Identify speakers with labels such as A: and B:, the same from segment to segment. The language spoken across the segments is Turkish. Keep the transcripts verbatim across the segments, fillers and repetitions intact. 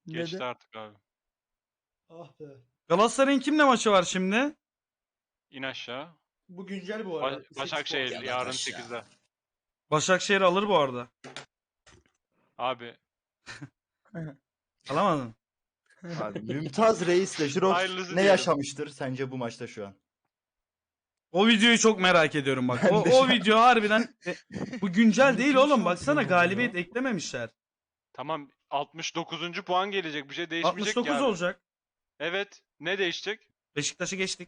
A: Geçti
B: Neden?
A: artık abi.
C: Ah be.
D: Galatasaray'ın kimle maçı var şimdi?
A: İn aşağı.
C: Bu güncel bu arada.
A: Ba- Başakşehir
C: sekiz puan.
A: yarın sekizde.
D: Başakşehir alır bu arada.
A: Abi
D: Alamadın.
B: Abi, Mümtaz Reis'le Jirox
A: Hayırlısı
B: ne
A: diyelim.
B: yaşamıştır sence bu maçta şu an?
D: O videoyu çok merak ediyorum bak.
B: Ben
D: O,
B: de
D: o
B: şu-
D: video harbiden e, bu güncel değil
C: Kim
D: oğlum. Baksana
C: şampiyon oluyor?
D: galibiyet eklememişler.
A: tamam altmış dokuzuncu puan gelecek. Bir şey değişmeyecek
D: altmış dokuz
A: ki abi.
D: olacak.
A: Evet. Ne değişecek?
D: Beşiktaş'ı geçtik.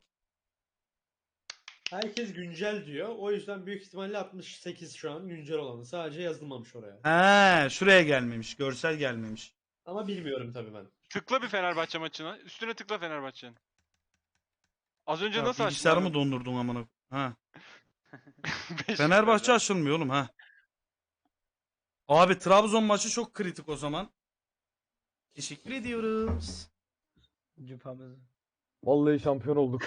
C: Herkes güncel diyor. O yüzden büyük ihtimalle altmış sekiz şu an güncel olanı. Sadece yazılmamış oraya.
D: He, şuraya gelmemiş. Görsel gelmemiş.
C: Ama bilmiyorum tabii ben.
A: Tıkla bir Fenerbahçe maçına. Üstüne tıkla Fenerbahçe'nin. Az önce
D: Ya,
A: nasıl açtın?
D: bilgisayarımı
A: abi?
D: dondurdun amına. Ha.
A: Beşiktaş
D: Fenerbahçe
A: abi.
D: açılmıyor oğlum ha. Abi Trabzon maçı çok kritik o zaman. Teşekkür ediyoruz.
E: Cüphamızı.
F: Vallahi şampiyon olduk.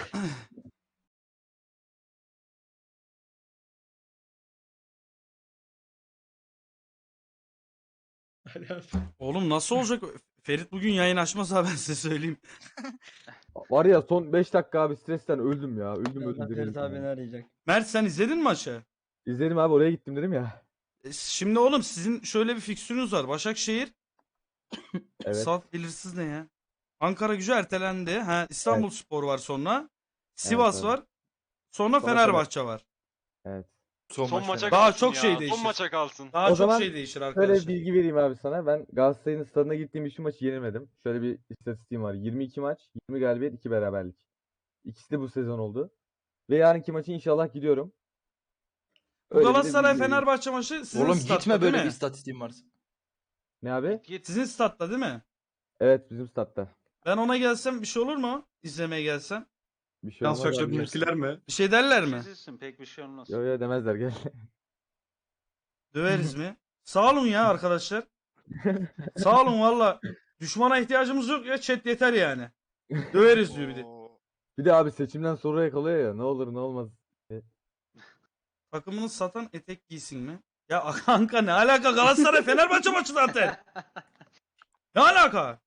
D: Oğlum nasıl olacak? Ferit bugün yayın açmasa ben size söyleyeyim.
F: Var ya son beş dakika abi stresten öldüm ya. Öldüm öldüm
E: Birazdan
F: dedim.
E: Ferit abi beni arayacak.
D: Mert sen izledin mi maçı?
F: İzledim abi oraya gittim dedim ya.
D: E, Şimdi oğlum sizin şöyle bir fikstürünüz var. Başakşehir.
F: Evet.
D: Saf belirsiz ne ya? Ankara Gücü ertelendi. Ha, İstanbul Spor var sonra. Sivas
F: evet.
D: var. Sonra
F: Sonra
D: Fenerbahçe var.
F: Evet.
A: Son
B: maçta.
A: maça
D: Daha
A: kalsın
D: çok
A: ya.
D: şey değişir.
A: Son maça kalsın.
D: Daha
F: O
D: çok
F: zaman
D: şey değişir
F: Şöyle
D: arkadaşlar.
F: bir bilgi vereyim abi sana. Ben Galatasaray'ın stadına gittiğim hiçbir maçı yenilmedim. Şöyle bir istatistiğim var. yirmi iki maç, yirmi galibiyet, iki beraberlik. İkisi de bu sezon oldu. Ve yarınki maçı inşallah gidiyorum.
D: Bu
F: Öyle bir de
D: Galatasaray
F: bilgi vereyim.
D: Fenerbahçe maçı sizin
B: Oğlum
D: statta
B: gitme böyle
D: değil
B: bir
D: mi?
B: istatistiğim varsa.
F: Ne abi?
D: Sizin statta değil mi?
F: Evet bizim statta.
D: Ben ona gelsem bir şey olur mu? İzlemeye gelsem.
F: Bir şey olmaz abi.
C: mi?
D: Bir şey derler mi?
G: Kesilsin pek bir şey olmaz.
F: Yo yo demezler gel.
D: Döveriz mi? Sağ olun ya arkadaşlar. Sağ olun valla. Düşmana ihtiyacımız yok ya, chat yeter yani. Döveriz diyor bir de.
G: Oo.
F: Bir de abi seçimden sonra yakalıyor ya. Ne olur ne olmaz.
D: Takımını satan etek giysin mi? Ya kanka ne alaka, Galatasaray Fenerbahçe maçı zaten. Ne alaka?